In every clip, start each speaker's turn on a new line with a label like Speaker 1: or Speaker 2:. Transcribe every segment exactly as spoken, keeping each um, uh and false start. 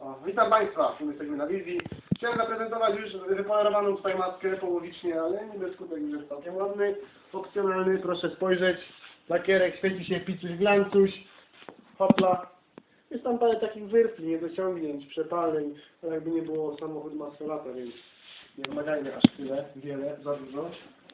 Speaker 1: O, witam Państwa, my jesteśmy na wizji. Chciałem zaprezentować już wypolerowaną tutaj maskę połowicznie, ale nie bez skutek, już jest całkiem ładny, opcjonalny. Proszę spojrzeć, lakierek świeci się picuś glancuś, hopla. Jest tam parę takich wyrtli, niedociągnięć, przepaleń, ale jakby nie było, samochód ma sto lata, więc nie wymagajmy aż tyle, wiele, za dużo.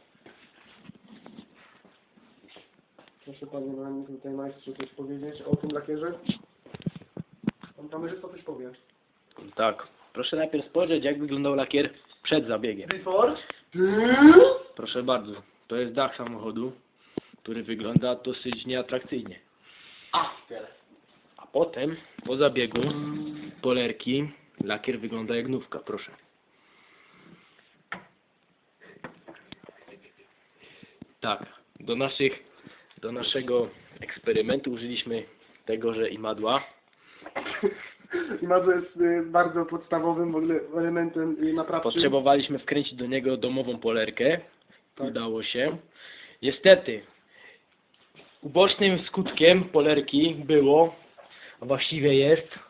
Speaker 1: Proszę Panie Mani, tutaj majstrzu coś powiedzieć o tym lakierze. Pan kamerzysta coś powie.
Speaker 2: Tak. Proszę najpierw spojrzeć, jak wyglądał lakier przed zabiegiem.
Speaker 1: Before?
Speaker 2: Proszę bardzo. To jest dach samochodu, który wygląda dosyć nieatrakcyjnie.
Speaker 1: After.
Speaker 2: A potem, po zabiegu, polerki, lakier wygląda jak nówka. Proszę. Tak. Do naszych, do naszego eksperymentu użyliśmy tegoże imadła.
Speaker 1: Imadło jest y, bardzo podstawowym w ogóle elementem y, naprawczym.
Speaker 2: Potrzebowaliśmy wkręcić do niego domową polerkę.
Speaker 1: Tak.
Speaker 2: Udało się. Niestety, ubocznym skutkiem polerki było, a właściwie jest,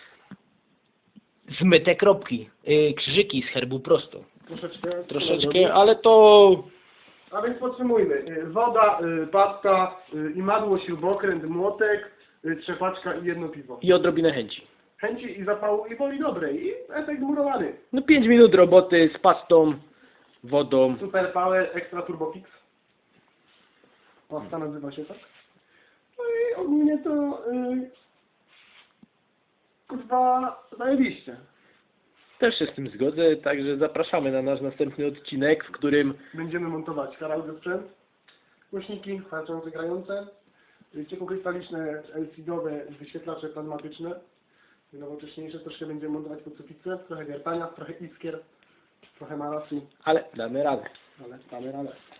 Speaker 2: zmyte kropki, yy, krzyżyki z herbu prosto.
Speaker 1: Troszeczkę.
Speaker 2: Troszeczkę, ale to...
Speaker 1: A więc podsumujmy. Y, Woda, y, pasta, y, imadło, śrubokręt, młotek, y, trzepaczka i jedno piwo.
Speaker 2: i odrobinę chęci.
Speaker 1: Chęci i zapału i woli dobrej. I efekt murowany.
Speaker 2: No pięć minut roboty z pastą, wodą.
Speaker 1: Super Power Extra Turbo Fix. Pasta nazywa się tak. No i ogólnie to yy, kurwa zajebiście.
Speaker 2: Też się z tym zgodzę, także zapraszamy na nasz następny odcinek, w którym
Speaker 1: Będziemy montować karaoke sprzęt, głośniki harczące, grające, ciepłokrystaliczne, L C D-owe wyświetlacze pneumatyczne, nowocześniejsze, troszkę będziemy montować pod suficę, trochę wiertania, trochę iskier, trochę marasu,
Speaker 2: ale damy radę.
Speaker 1: ale damy radę.